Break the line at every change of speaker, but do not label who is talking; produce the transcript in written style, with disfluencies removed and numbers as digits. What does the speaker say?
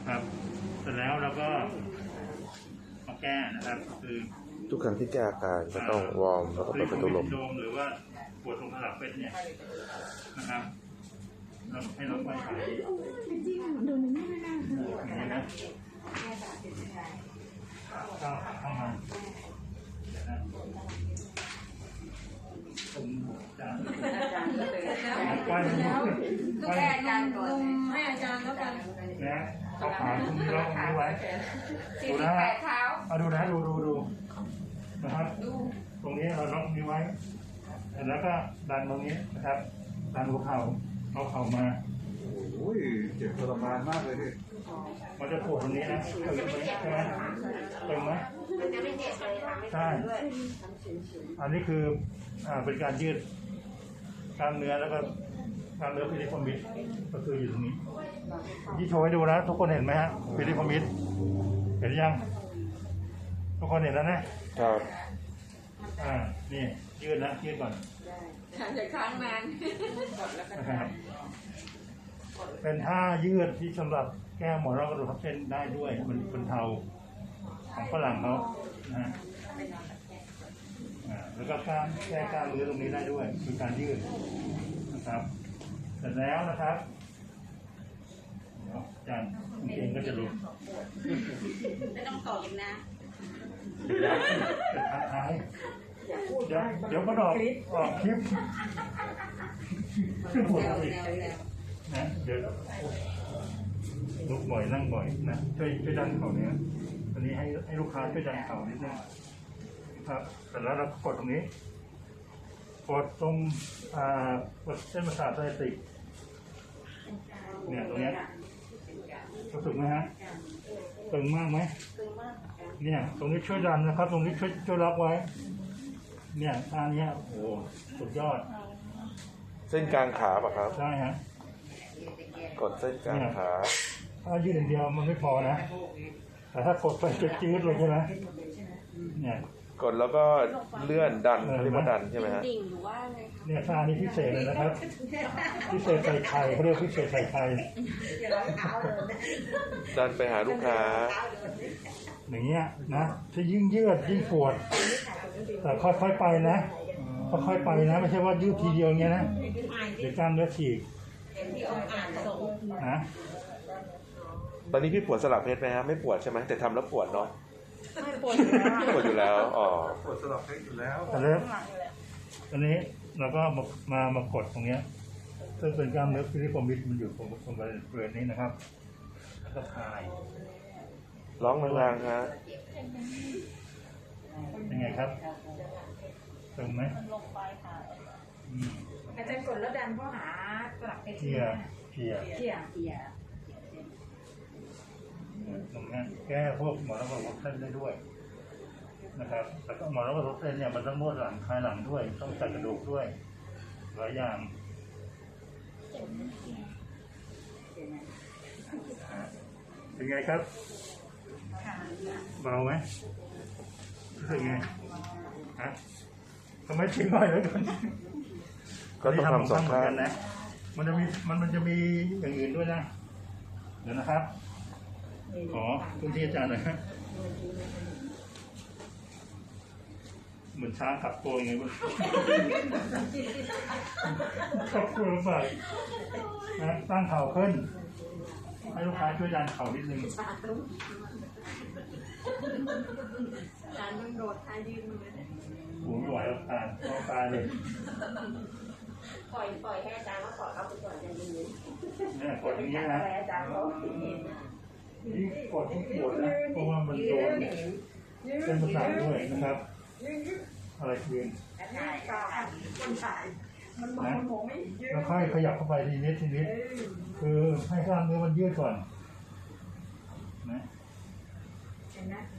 นะครับเสร็จแล้วเราก็มาแก้นะครับคือ
ทุกครั้งที่แก้อาการก็ต้องวอร์มแล้วก็เปิดประตูลม
หรือว่าปวดตรงขลับเป็นเนี่ยนะครับเราให้ลดไปหายดูนี่ไม่น่านะเข้ามาผมจะไป
ให้อาจารย์ก่อนให้อาจารย์แล้วกัน
นะเอาขาตรงนี้ล็อกนี้ไว้ดูนะเอาดูนะดูนะครับตรงนี้เราล็อกนี้ไว้แล้วก็ดันตรงนี้นะครับดันหัวเข่าเอาเข่ามา
โอ้ยเจ็บทรมานมากเลยพี่
มันจะปวดตรงนี้นะตึงไหมใช่ไหมตึงไหมใช่อันนี้คือเป็นการยืดกล้ามเนื้อแล้วก็กล้ามเนื้อพิลิฟอมิดก็คืออยู่ตรงนี้ที่โชว์ให้ดูนะทุกคนเห็นไหมฮะพิลิฟอมิดเห็นยังทุกคนเห็นแล้วนะครับนี่ยืดนะยืดก่อน
จะค้างนาน
นะครับเป็นท่ายืดที่สำหรับแก้หมอนรองกระดูกทับเส้นได้ด้วยมันเป็นเทาของฝรั่งเขานะแล้วก็การแก้กล้ามเนื้อตรงนี้ได้ด้วยคือการยืดนะครับเสร็จแล้วนะครับจานเก่งก็จะรู้
ไม่ต้องตอบนะ
จะท้าทายเดี๋ยวก็ออกคลิปนะเดี๋ยวลุกบ่อยนั่งบ่อยนะช่วยดันเข่าเนี้ยตอนนี้ให้ลูกค้าช่วยดันเข่านิดนึงครับเสร็จแล้วเรากดตรงนี้กดตรงกดเส้นประสาทไซติกเนี่ยตรงนี้รู้สึกไหมฮะตึงมากไหมเนี่ยตรงนี้ช่วยดันนะครับตรงนี้ช่วยล็อกไว้เนี่ยท่านี้โอ้สุดยอด
เส้นกลางขาป่ะครับ
ใช่ฮะ
กดเส้นกลางขา
ถ้ายืดอย่างเดียวมันไม่พอนะแต่ถ้ากดไปจะจืดเลยใช่ไหมเนี่ย
กดแล้วก็เลื่อนดันเรียกว่าดันใช่ไหมฮะ
เนี่ยท่านี้พิเศษเลยนะครับพิเศษใส่ไข่เขาเรียกพิเศษใส่ไข่
ดันไปหาลูกค้า
อย่างเงี้ยนะถ้ายิ่งยืดยิ่งปวดแต่ค่อยๆไปนะค่อยๆไปนะไม่ใช่ว่ายืดทีเดียวเงี้ยนะเดี๋ยวกล้ามเนื้อฉีกนะ
ตอนนี้พี่ปวดสลับเพศไหมฮะไม่ปวดใช่ไหมแต่ทำแล้วปวดเนาะ
ไม่ปวด
อยู่แล้วอ๋อ
ปวดสลับเพศอยู่แล้ว
แต่แล้วตอนนี้เราก็มากดตรงเนี้ยซึ่งเป็นกล้ามเนื้อพิลิฟอมิดมันอยู่ตรงบริเวณนี้นะครับแล้วก็คลาย
ร้องแรงๆฮะ
ยังไงครับตึงไหม
อาจารย์กดแล้วดันเข้าหาสลับเพศ
เพียตรงนี้แก้พวกหมอนรองกระดูกเส้นได้ด้วยนะครับแต่ก็หมอนรองกระดูกเส้นเนี่ยมันต้องนวดหลังคลายหลังด้วยต้องใส่กระดูกด้วยหลายอย่างเป็นไงครับเบาไหมเป็นไงฮะทำไมทิ้งหน่อยแล้วกัน
ก็ต้องทำสองข้าง
นะมันจะมีอย่างอื่นด้วยนะเดี๋ยวนะครับขอคุณที่อาจารย์หน่อยเหมือนช้างขับตัวยังไงบ้างขับตัวไปนะตั้งเข่าขึ้นให้ลูกค้าช่วยดันเข่านิดนึง
การมันโดดท้ายยืนเลย
หูไหวแล้วตายเลย
ปล่อยให้อาจารย์ว่าปล่อยเขาไปก่อนจะยืน
เนี่ยกดอย่างนี้นะ
อาจารย์เขา
นี่กดที่ปวดนะเพราะว่ามันโดนเส้นประสาทด้วยนะครับอะไรคืนนะแล้วค่อยขยับเข้าไปทีนิดคือให้กล้ามเนื้อมันยืดก่อนนะ